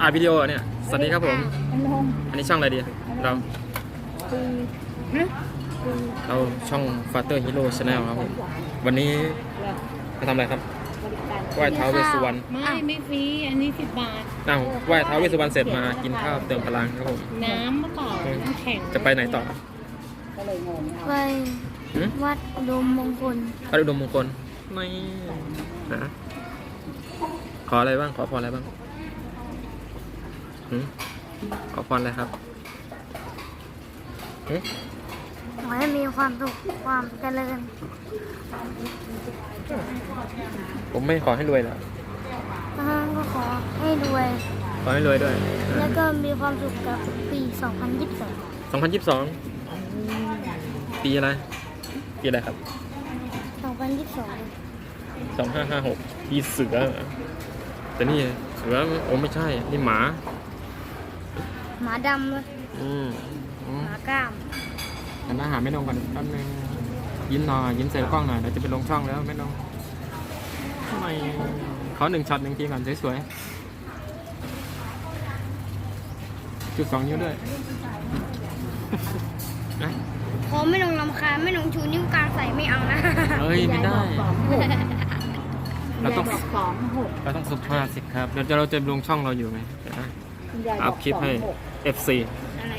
ายวิดีโอเนี่ยสวัสดีครับผมอันนี้ช่องอะไรดีเราช่อง Father Hero Channel ครับผมวันนี้มาทำอะไรครับไหว้ท้าวเวสสุวรรณไม่ฟรีอันนี้10 บาทไหว้ท้าวเวสสุวรรณเสร็จมากินข้าวเติมพลังครับผมน้ำมะเปล่าน้ำแข็งจะไปไหนต่อไปวัดอุดมมงคลวัดอุดมมงคลไม่นะขออะไรบ้างขอพรอะไรบ้างขอพรอะไรครับขอให้มีความสุขความเจริญผมไม่ขอให้รวยหรอกก็ขอให้รวยขอให้รวยด้วยแล้วก็มีความสุขกับปี2022 ปีอะไรปีอะไรครับ 2022 ปีเสือแต่นี่เสือโอ้ไม่ใช่นี่หมาดำเลยหมากล้ามแต่หน้าหาไม่ลงก่อนแป๊บนึงยิ้มหน่อยยิ้มใส่กล้องหน่อยเดี๋ยวจะไปลงช่องแล้วไม่ลงทำไมขอ1 ช็อต 1 ทีก่อนสวยๆจุด2 นิ้วด้วยนะขอไม่ลงลำคาญไม่ลงชูนิ้วกลางใส่ไม่เอานะเฮ้ยไม่ได้เราต้องสุภาพสิครับเดี๋ยวเราจะลงช่องเราอยู่ไงอัพคลิปให้ FC อะไร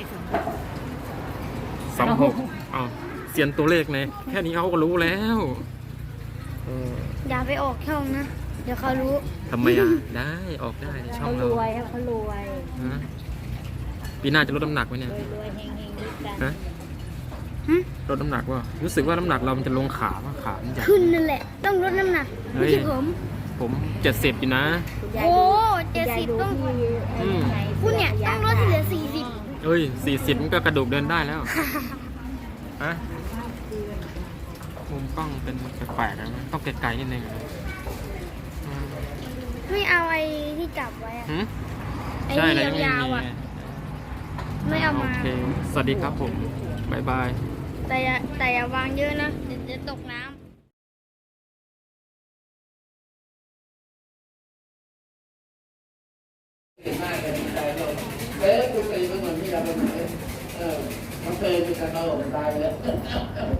26อ้าวเสียนตัวเลขเนี่ยแค่นี้เขาก็รู้แล้วอย่าไปออกช่องนะเดี๋ยวเขารู้ทำไมได้ออกได้ในช่องเราเขารวยปีหน้าจะลดน้ำหนักไหมเนี่ยลดน้ำหนักว่ารู้สึกว่าน้ำหนักเรามันจะลงขามันจะขึ้นนั่นแหละต้องลดน้ำหนักไม่ใช่ผม70อยู่นะโอ้70ต้องคุณเนี่ยต้องลดเหลือ40 เอ้ย40มันก็กระดูกเดินได้แล้วฮะมุมกล้องเป็นแปลกๆนะต้องไกลๆนิดนึงไม่เอาไอ้ที่จับไว้ไอ้ที่ยาวๆไม่เอามาสวัสดีครับผมบ๊ายบายแต่อย่าวางเยอะนะเดี๋ยวจะตกน้ำคุณตีมันเหมือนที่เราเป็นมันเคยมีการตลกตายเลย